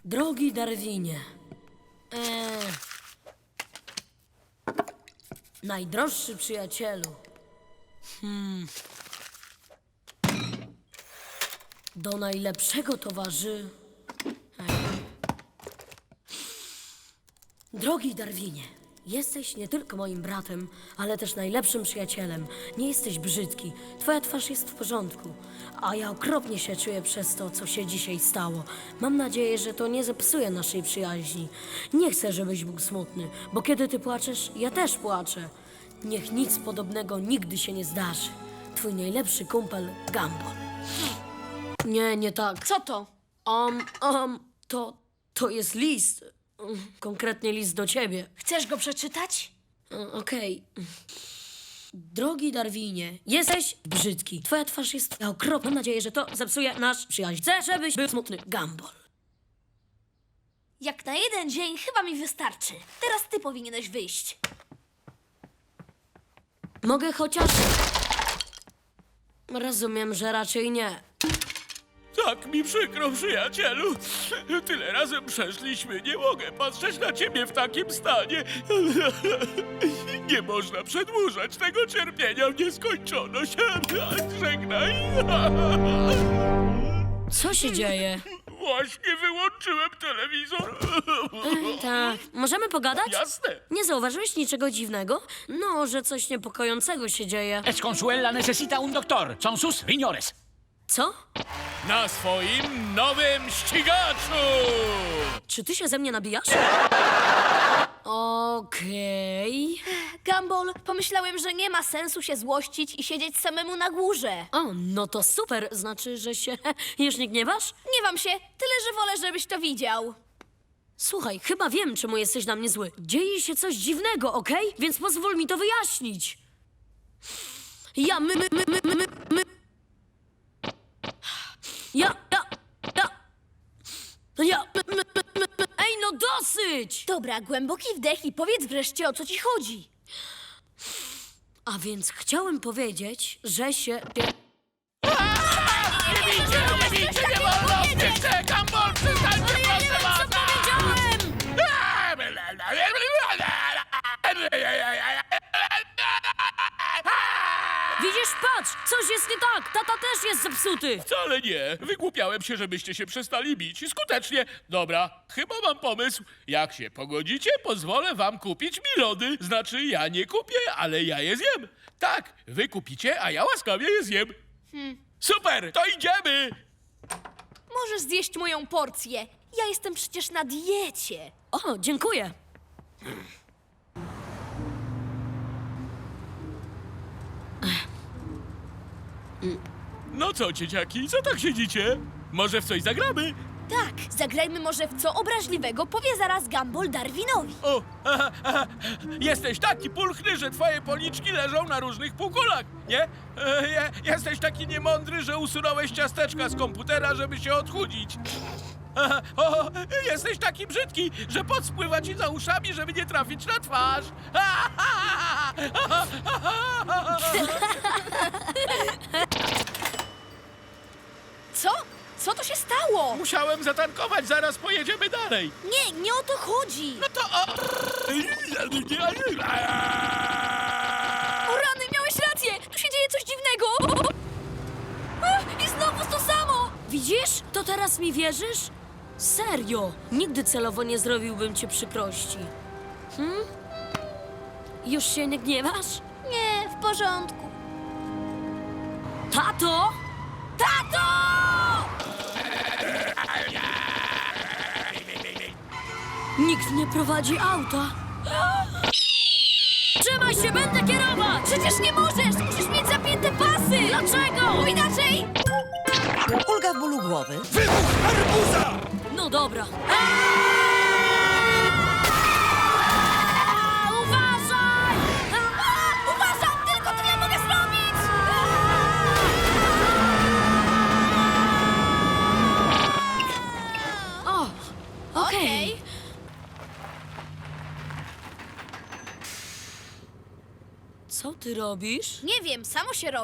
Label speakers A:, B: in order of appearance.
A: Drogi Darwinie, najdroższy przyjacielu, do najlepszego towarzy... Drogi Darwinie, jesteś nie tylko moim bratem, ale też najlepszym przyjacielem. Nie jesteś brzydki, twoja twarz jest w porządku, a ja okropnie się czuję przez to, co się dzisiaj stało. Mam nadzieję, że to nie zepsuje naszej przyjaźni. Nie chcę, żebyś był smutny, bo kiedy ty płaczesz, ja też płaczę. Niech nic podobnego nigdy się nie zdarzy. Twój najlepszy kumpel, Gumball. Nie tak.
B: Co to?
A: To jest list. Konkretnie list do ciebie.
B: Chcesz go przeczytać?
A: Okej. Drogi Darwinie, jesteś brzydki. Twoja twarz jest okropna. Mam nadzieję, że to zepsuje nasz przyjaźń. Chcę, żebyś był smutny, Gumball.
B: Jak na jeden dzień chyba mi wystarczy. Teraz ty powinieneś wyjść.
A: Mogę chociaż... Rozumiem, że raczej nie.
C: Tak mi przykro, przyjacielu. Tyle razem przeszliśmy. Nie mogę patrzeć na ciebie w takim stanie. Nie można przedłużać tego cierpienia w nieskończoność. Żegnaj.
A: Co się dzieje?
C: Właśnie wyłączyłem telewizor.
A: Tak. Możemy pogadać?
C: Jasne.
A: Nie zauważyłeś niczego dziwnego? No, że coś niepokojącego się dzieje.
D: Es Consuela necesita un doctor. Son sus riñones.
A: Co?
C: Na swoim nowym ścigaczu.
A: Czy ty się ze mnie nabijasz? Okej.
B: Gumball, pomyślałem, że nie ma sensu się złościć i siedzieć samemu na górze.
A: O, no to super. Znaczy, że się już nie gniewasz?
B: Gniewam się, tyle że wolę, żebyś to widział.
A: Słuchaj, chyba wiem, czemu jesteś na mnie zły. Dzieje się coś dziwnego, okej? Więc pozwól mi to wyjaśnić. Ja, Ej, no dosyć!
B: Dobra, głęboki wdech i powiedz wreszcie, o co ci chodzi.
A: A więc chciałem powiedzieć, że się...
C: Nie wolno! Czekam, bol, przestańcie, proszę was!
A: powiedziałem! Widzisz, patrz! Coś jest nie tak! Tata też jest zepsuty!
C: Wcale nie. Wygłupiałem się, żebyście się przestali bić. Skutecznie. Dobra, chyba mam pomysł. Jak się pogodzicie, pozwolę wam kupić mi lody. Znaczy, ja nie kupię, ale ja je zjem. Tak, wy kupicie, a ja łaskawie je zjem. Super, to idziemy!
B: Możesz zjeść moją porcję. Ja jestem przecież na diecie.
A: O, dziękuję!
C: No co, dzieciaki, co tak siedzicie? Może w coś zagramy?
B: Tak, zagrajmy może w co obraźliwego, powie zaraz Gumball Darwinowi.
C: O, jesteś taki pulchny, że twoje policzki leżą na różnych półkulach, nie? Jesteś taki niemądry, że usunąłeś ciasteczka z komputera, żeby się odchudzić. Jesteś taki brzydki, że pot spływa ci za uszami, żeby nie trafić na twarz.
B: Co? Co to się stało?
C: Musiałem zatankować, zaraz pojedziemy dalej.
B: Nie o to chodzi.
C: No to...
B: O rany, miałeś rację! Tu się dzieje coś dziwnego! I znowu to samo!
A: Widzisz? To teraz mi wierzysz? Serio, nigdy celowo nie zrobiłbym ci przykrości. Już się nie gniewasz?
B: Nie, w porządku.
A: Tato! Tato! Nikt nie prowadzi auta. Trzymaj się, będę kierować!
B: Przecież nie możesz! Musisz mieć zapięte pasy!
A: Dlaczego?
B: Bo inaczej!
E: Ulga w bólu głowy.
C: Wybuch arbuza!
A: No dobra. Uważaj!
B: Uważam! Tylko tyle mogę zrobić!
A: O, okej. Co ty robisz?
B: Nie wiem, samo się robi.